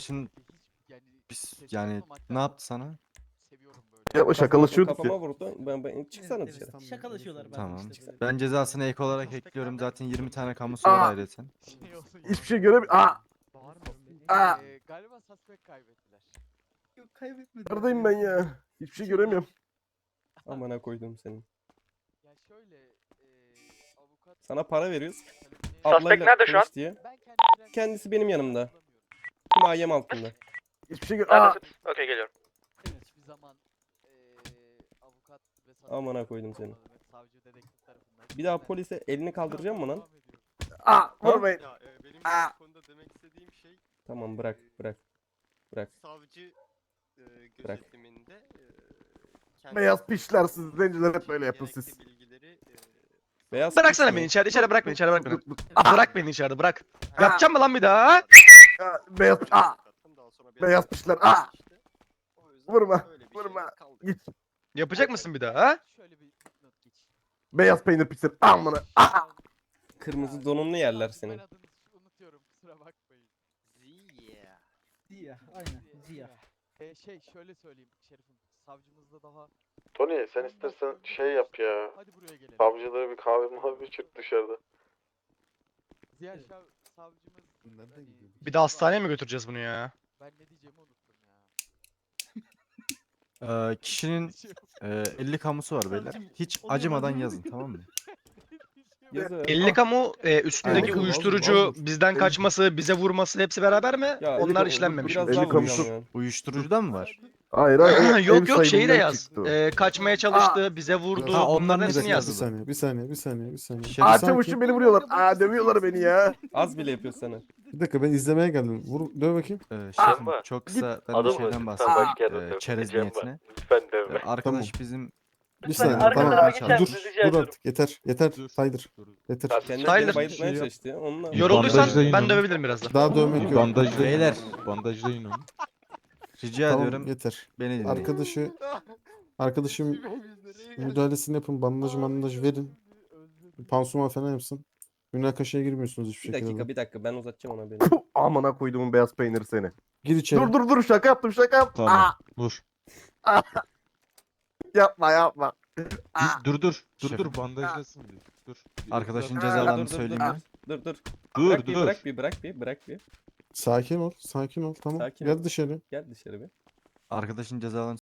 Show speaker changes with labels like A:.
A: arkadaşın
B: Yani
A: biz
B: ses
A: yani
B: çıkarmamaktan
A: ne yaptı sana?
B: seviyorum böyle.
C: Ya şakalaşıyorduk
D: Kafama
C: ya.
D: vurdu. Ben çıksana dışarı.
E: Şakalaşıyorlar bazen
A: Tamam.
E: işte böyle.
A: Ben cezasını ek olarak ekliyorum. Zaten 20 tane kamusu
C: Aa!
A: var ayrıca.
B: Şey olsun
C: Hiçbir şey göremiyorum. Aa! Aa!
B: Galiba suspect kaybettiler.
E: Yok kaybetmedim.
C: Neredeyim ben ya? Hiçbir şey göremiyorum.
D: Amına koydum senin.
B: Ya şöyle avukat
D: Sana para veriyoruz.
B: talebini-
D: Ablayla
F: nerede şu an?
D: konuş diye.
B: Ben
D: Kendisi benim yanımda.
B: hatırlamıyorum.
D: Himayem altında.
C: Hiçbir şey gör. Aa!
F: Neredesin? Okey geliyorum.
B: Hiçbir zaman avukat ve suspect
D: Amına koydum seni.
B: olmadım. Hep savcı dedektif tarafından.
D: Bir daha
B: Ben-
D: polise elini kaldıracağım mı lan?
B: Devam ediyorum.
C: Aa! Vurmayın.
G: Ya benim
C: Aa!
G: bu konuda demek istediğim şey
D: Tamam bırak. Bırak.
G: savcı
D: Bırak.
G: gözetiminde
C: Beyaz pişler siz zenciler hep böyle yapın
G: gerekli
C: siz.
G: bilgileri
D: Beyaz
F: Bıraksana
D: piç
F: beni
D: mi?
F: içeri bırak beni içeri bırak beni.
C: Aa!
F: Bırak beni içeride bırak. Yapacağım mı lan bir daha?
C: Aa, Beyaz piş. Aa! Beyaz pişler. Aa! Vurma, vurma. Git.
F: Yapacak mısın bir daha ha?
B: Şöyle bir not geç.
C: Beyaz peynir pişler. Amına. Aa!
D: Kırmızı donunu yerler
B: Ben
D: senin.
B: adını unutuyorum kusura bakmayın.
E: Ziya. Aynen. Ziya.
B: Şey şöyle söyleyeyim Şerif'im. Savcımızda daha...
H: Tony sen istersen şey yap ya.
B: Hadi buraya gelelim.
H: Savcılara bir kahve mavi içir dışarıda.
B: Ziya savcımız... hani,
F: Bir de hastaneye mi götüreceğiz bunu ya?
B: Ben ne diyeceğimi unuttum ya.
A: Kişinin
B: Şey yok.
A: 50 kamusu var beyler. Hiç acımadan yazın, tamam mı?
D: Yazı.
F: 50 kamu üstündeki
C: Aynen.
F: uyuşturucu bizden kaçması, bize vurması hepsi beraber mi?
D: Ya,
F: Onlar
D: elli-
F: işlenmemiş.
D: biraz
C: Elli
D: daha
C: kamusu-
D: vuracağım ya.
A: Uyuşturucudan mı var?
C: Hayır hayır. o ev
F: Yok yok şeyi de
C: sahibinden
F: yaz.
C: çıktı o.
F: Kaçmaya çalıştı, bize vurdu.
A: Ha, onların
F: Bunların
A: hepsini
F: hepsini yazın.
A: yazın.
I: Bir saniye.
A: Şerif,
C: Aa
I: Sanki-
C: çavuşum beni vuruyorlar. Aa dövüyorlar beni ya.
D: Az bile yapıyor sana.
I: Bir dakika ben izlemeye geldim. Döv bakayım.
A: Şefim
H: Aa,
A: çok kısa ben bir
H: Adamı
A: şeyden
H: lütfen
A: bahsedeyim.
H: başka yerde dövme
A: Çerez
H: diyeceğim
A: niyetine.
H: Lütfen dövme.
A: Arkadaş bizim
I: Bir saniye
A: arkadaşlar
I: tamam.
A: geçer
I: Dur,
A: misiniz?
I: dur artık yeter. Yeter. Saydır. Yeter.
D: Kendini
F: Tyler.
D: beni bayıltmaya çalıştı ya. Onunla.
F: Yorulduysan
J: Bandajlayın
F: ben
J: onu.
F: dövebilirim biraz da.
I: Daha dövmek yok.
A: Beyler
J: Bandajlayın onu.
A: rica
I: Tamam
A: ediyorum
I: yeter.
A: beni dinleyin.
I: Arkadaşım müdahalesini yapın. Bandaj verin. Pansuman falan yapsın. Münakaşaya girmiyorsunuz hiçbir
D: Bir
I: şekilde.
D: dakika ben uzatacağım ona beni.
C: Puh, amına koyduğumun beyaz peyniri seni.
I: Gir içeri.
C: Dur şaka yaptım şaka yaptım.
J: Tamam.
C: Aa,
J: Vur.
C: yapma.
J: Dur
A: Şefim.
J: bandajlasın bir. Dur.
A: Arkadaşın
C: Aa,
A: cezalarını
D: dur, dur,
A: söyleyeyim
D: dur.
A: mi?
D: Dur.
J: Dur dur.
D: Bırak bir.
I: Sakin ol. Tamam.
D: Sakin
I: Gel
D: ol.
I: dışarı.
D: Gel dışarı bir.
A: Arkadaşın cezalarını